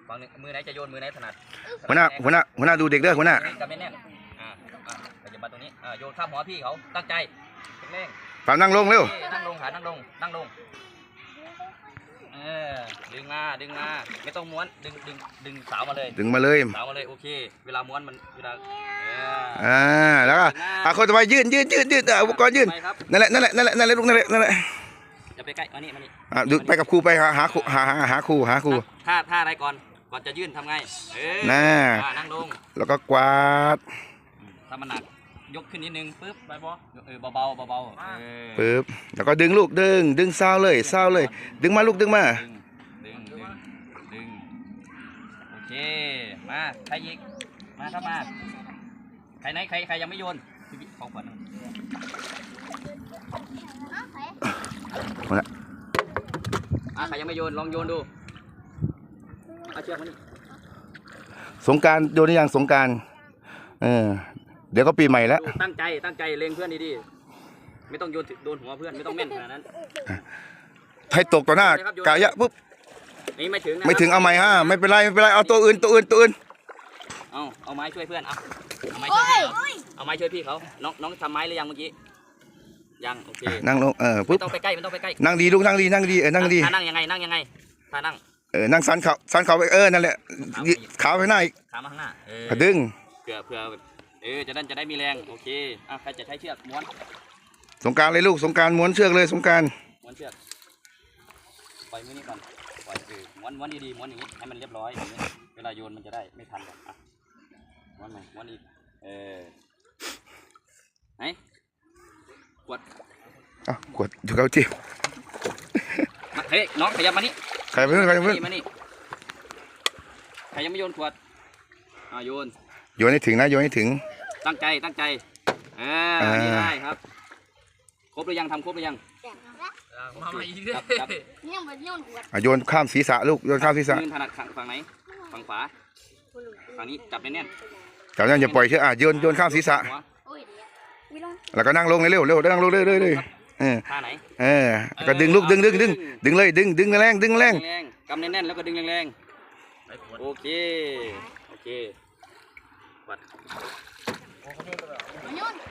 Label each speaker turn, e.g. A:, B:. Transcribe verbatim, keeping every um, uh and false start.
A: ฝั่งนึงมือไหนจะโยนมือไหนถนัด
B: หัวหน้าหัวหน้าหัวหน้าดูเด็กเด้อหัวหน้า
A: จับแน่นๆอ่าอ่าจะมาตรงนี้อ่าโยนข้ามหัวพี่เขาตั้งใจเร่ง
B: ปามนั่งลงเร็ว
A: นั่งลงขานั่งลงนั่งลงเออดึงมาดึงมาไม่ต้องม้วนดึงดึงดึงสาวมาเลย
B: ดึงมาเลย
A: สาวมาเลยโอเคเวลาม้วนมันเวลา
B: อ่าแล้วก็อ่ะคนต่อไปยืนยืนยืนยืนอุปกรณ์ยืนนั่นแหละนั่นแหละนั่นแหละนั่นแหละลูกนั่นแหละนั่นแหละ
A: จะไปใกล้มานี่มานี่
B: อ่ะดูไปกับครูไปหาหาครูหาหาหาครูหาครู
A: ท่าท่าอะไรก่อนก่อนจะยื่นทำไงเออ
B: น่า
A: นั่งลง
B: แล้วก็กวาด
A: ถ้ามันหนักยกขึ้นนิดนึงปึ๊บไปบอเออเบาเบาเบาๆ
B: ปึ๊บแล้วก็ดึงลูกดึงดึงเศร้าเลยเศร้าเลยดึงมาลูกดึงมา
A: ดึงดึงดึงโอเคมาใครอีกมาครับมาใครไหนใครใครยังไม่โยนพี่ของขวัญอ่ะใครยังไม่โยนลองโยนดูเอาเชือกมานี่
B: สงกรานต์โยนอย่างสงกรานต์เออเดี๋ยวก็ปีใหม่แล้ว
A: ตั้งใจตั้งใจเล็งเพื่อนดีๆไม่ต้องโยนโดนหัวเพื่อนไม่ต้องแม่นขนาดนั้น
B: ให้ตกต่อหน้ากายะปุ๊บ
A: นี่ไม่ถึง
B: ไม่ถึงเอาไม้ฮะไม่เป็นไรไม่เป็นไรเอาตัวอื่นตัวอื่นตัวอื่น
A: เอาเอาไม้ช่วยเพื่อนเอาเอาไม้ช่วยพี่เขาเอาไม้ช่วยพี่เขาน้องน้องทำไม้หรือยังเมื่อกี้ยังโอเค
B: นั่งลงเออปุ๊บ
A: ไม่ต้องไปใกล้ไม่ต้องไปใกล้
B: นั่งดีลูกนั่งดีนั่งดีเออนั่งดี
A: นั่งยังไงนั่งยังไงท่านั่ง
B: เออนั่งสันเขาสันเขาไปเออนั่นแหละขาไปหน้าอีก
A: ขามาข้างหน้าเออ
B: ดึง
A: เผื่อเผื่อเออจะได้จะได้มีแรงโอเคอ่ะใครจะใช้เชือกม้วน
B: สงการเลยลูกสงการม้วนเชือกเลยสงการ
A: ม้วนเชือกปล่อยมือนี้ก่อนปล่อยเออม้วนม้วนดีๆม้วนอย่างนี้ให้มันเรียบร้อยอย่างนี้เวลาโยนมันจะได้ไม่ทันอ่ะม้วนใหม่ม้วนอีกเออไหนกด
B: อ่ะกดอยู่เก้าจี้
A: เฮ้ยน้องขยับมานี่
B: ใครเพื่อนใครเพื่อน
A: มานี่ใครยังไม่โยนขวดอ่าโยน
B: โยนให้ถึงนะโยนให้ถึง
A: ตั้งใจตั้งใจเออนี่ได้ครับครบหรือยังทำครบหรือยังมาใหม่อีกครับ
B: โยนข้ามศีรษะลูกโยนข้ามศีรษะ
A: มือถนัดฝั่งไหนฝั่งขวาฝั่งนี้จับแน่น
B: ๆจับแน่นอย่าปล่อยเชือกอ่ะโยนโยนข้ามศีรษะแล้วก็นั่งลงเร็วเร็วนั่งลงเร็วเร็วเร็วเออ
A: ท่าไหน
B: เออก็ดึงลูกดึงดึงดึงดึงเลยดึงดึงแรงดึงแรง
A: กำแน่นๆแล้วก็ดึงแรงๆโอเคโอเควัด